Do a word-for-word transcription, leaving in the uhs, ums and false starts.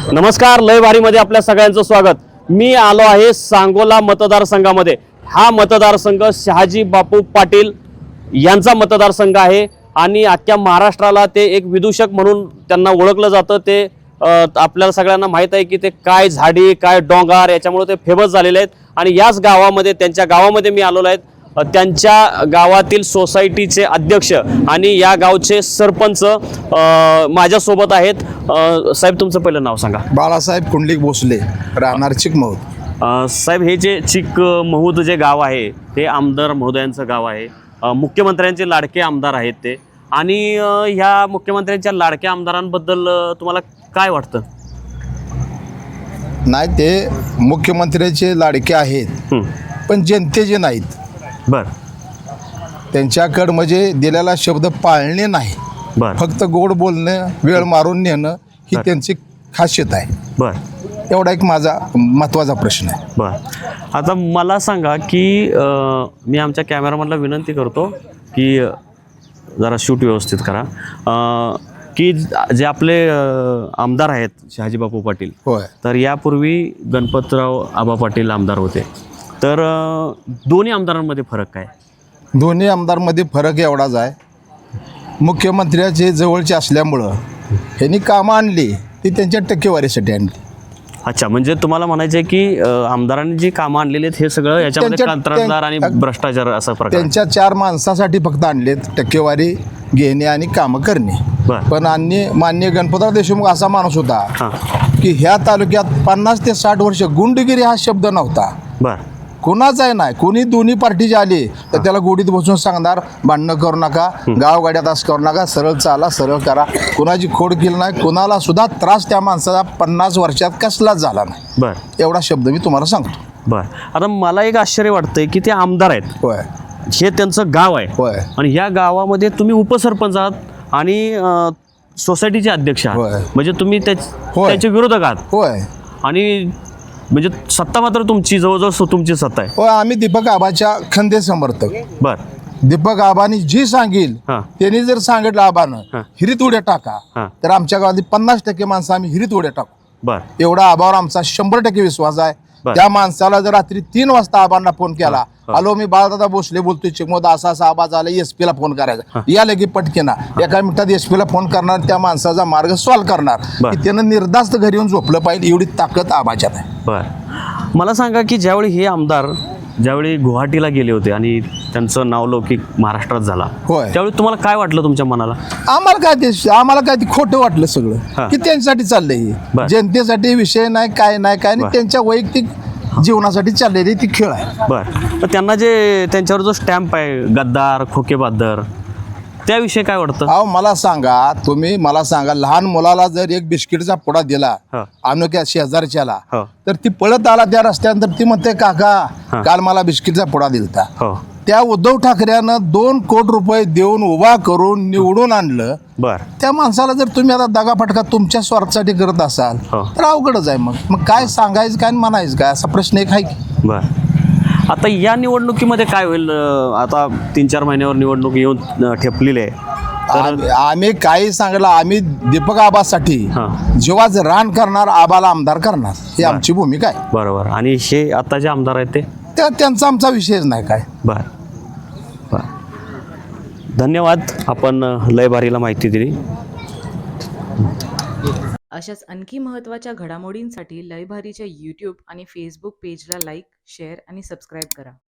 नमस्कार, लय भारीमध्ये आपल्या सगळ्यांचं स्वागत। मी आलो आहे सांगोला मतदारसंघामध्ये। हा मतदारसंघ शहाजी बापू पाटील यांचा मतदारसंघ आहे आणि अख्ख्या महाराष्ट्राला ते एक विदूषक म्हणून त्यांना ओळखलं जातं। ते आपल्याला सगळ्यांना माहित आहे की ते काय झाडी काय डोंगर याच्यामुळे ते फेमस झालेले आहेत आणि याच गावामध्ये त्यांच्या गावामध्ये मी आलेलो आहे। त्यांच्या गावातील सोसायटीचे अध्यक्ष आणि या गावचे सरपंच माझ्या सोबत आहेत। साहेब, तुमचं पहिलं नाव सांगा। बाळासाहेब कुंडलिक भोसले, राहणार चिकमौद। साहेब, हे जे चिकमौद जे गाव आहे ते आमदार महोदयांचं गाव आहे। मुख्यमंत्र्यांचे लाडके आमदार आहेत ते, आणि ह्या मुख्यमंत्र्यांच्या लाडक्या आमदारांबद्दल तुम्हाला काय वाटतं? नाही, ते मुख्यमंत्र्याचे लाडके आहेत पण जनतेचे नाहीत। बर, त्यांच्याकडे म्हणजे दिलेला शब्द पाळणे नाही, बर, फक्त गोड बोलणं, वेळ मारून नेणं ही त्यांची खासियत आहे। बर, एवढा एक माझा महत्त्वाचा प्रश्न आहे। बर, आता मला सांगा की मी आमच्या कॅमेरामॅनला विनंती करतो की जरा शूट व्यवस्थित करा, की जे आपले आमदार आहेत शहाजी बापू पाटील, होय, तर यापूर्वी गणपतराव आबा पाटील आमदार होते। तर दोन्ही आमदारांमध्ये फरक काय? दोन्ही आमदारमध्ये फरक एवढाच आहे, मुख्यमंत्र्याचे जवळचे असल्यामुळं ह्यांनी कामं आणली ती त्यांच्या टक्केवारीसाठी आणली। अच्छा, म्हणजे तुम्हाला म्हणायचं आहे की आमदारांनी जी कामं आणलेली आहेत हे सगळं याच्यामध्ये कंत्राटदार आणि भ्रष्टाचार असा प्रकार, त्यांच्या चार माणसासाठी फक्त आणलेत, टक्केवारी घेणे आणि कामं करणे। पण अन्य मान्य गणपतराव देशमुख असा माणूस होता की ह्या तालुक्यात पन्नास ते साठ वर्ष गुंडगिरी हा शब्द नव्हता। बर, कोणाचाही नाही, कोणी दोन्ही पार्टीचे आले तर त्याला गोडीत बसून सांगणार, भांडणं करू नका, गावगाड्यात असं करू नका, सरळ चाला, सरळ करा, कोणाची खोड केली नाही, कोणाला सुद्धा त्रास त्या माणसाचा पन्नास वर्षात कसलाच झाला नाही। बर, एवढा शब्द मी तुम्हाला सांगतो। बर, आता मला एक आश्चर्य वाटतंय की ते आमदार आहेत, होय, हे त्यांचं गाव आहे, होय, आणि ह्या गावामध्ये तुम्ही उपसरपंच आहात आणि सोसायटीचे अध्यक्ष आहात, म्हणजे तुम्ही त्याच्या विरोधक आहात। होय, आणि म्हणजे सत्ता मात्र तुमची जवळजवळ तुमची सत्ता आहे। होय, आम्ही दीपक आबाच्या खंदे समर्थक। बर, दीपक आबानी जी सांगेल त्यांनी जर सांगितलं आबानं हिरीत उड्या टाका, तर आमच्या गावातील पन्नास टक्के माणसं आम्ही हिरीत उड्या टाकू। बर, एवढा आबावर आमचा शंभर टक्के विश्वास आहे। त्या माणसाला जर रात्री तीन वाजता आबांना फोन केला, हॅलो मी बाळदादा भोसले बोलतोय चिकमौद, असा असा आवाज आला, एस पी ला फोन करायचा, या लगे पटकेना एका मिनिटात एस पी ला फोन करणार, त्या माणसाचा मार्ग सॉल्व्ह करणार, की त्यानं निर्धास्त घरी येऊन झोपलं पाहिजे, एवढी ताकद आबाच्यात आहे। बर, मला सांगा की ज्यावेळी हे आमदार ज्यावेळी गुवाहाटीला गेले होते आणि त्यांचं नावलौकिक महाराष्ट्रात झाला, होय, त्यावेळी तुम्हाला काय वाटलं तुमच्या मनाला? आम्हाला काय ते आम्हाला काय ते खोटं वाटलं सगळं, की त्यांच्यासाठी चाललंय, जनतेसाठी विषय नाही, काय नाही काय नाही, त्यांच्या वैयक्तिक जीवनासाठी चाललेली ती खेळ आहे। बर, तर त्यांना जे त्यांच्यावर जो स्टॅम्प आहे गद्दार खोकेबहादर, त्याविषयी काय वाटतं? अहो मला सांगा, तुम्ही मला सांगा, लहान मुलाला जर एक बिस्किटचा पुडा दिला अनोख्या शेजारच्याला, तर ती पळत आला त्या रस्त्यानंतर, ती म्हणते काका काल मला बिस्किटचा पुडा दिलता। त्या उद्धव ठाकरेनं दोन कोटी रुपये देऊन उभा करून निवडून आणलं। बर, त्या माणसाला जर तुम्ही आता दगाफटका तुमच्या स्वार्थासाठी करत असाल तर अवघडच आहे। मग मग काय सांगायचं काय म्हणायचं काय, असा प्रश्न एक आहे की? बर, आता या निवडणुकीमध्ये काय होईल? आता तीन चार महिन्यावर निवडणूक येऊन ठेपलेली आहे। आम्ही काही सांगला, आम्ही दीपक आबासाठी जेव्हाच रान करणार, आबाला आमदार करणार, ही आमची भूमिका आहे। बरोबर, आणि हे आता जे आमदार आहेत ते त्यांचा आमचा विषयच नाही काय। बर, बर, धन्यवाद, आपण लय भारीला माहिती दिली। अशाच आणखी महत्त्वाच्या घडामोडींसाठी लय भारीच्या यूट्यूब आणि फेसबुक पेजला लाईक, शेअर आणि सबस्क्राईब करा।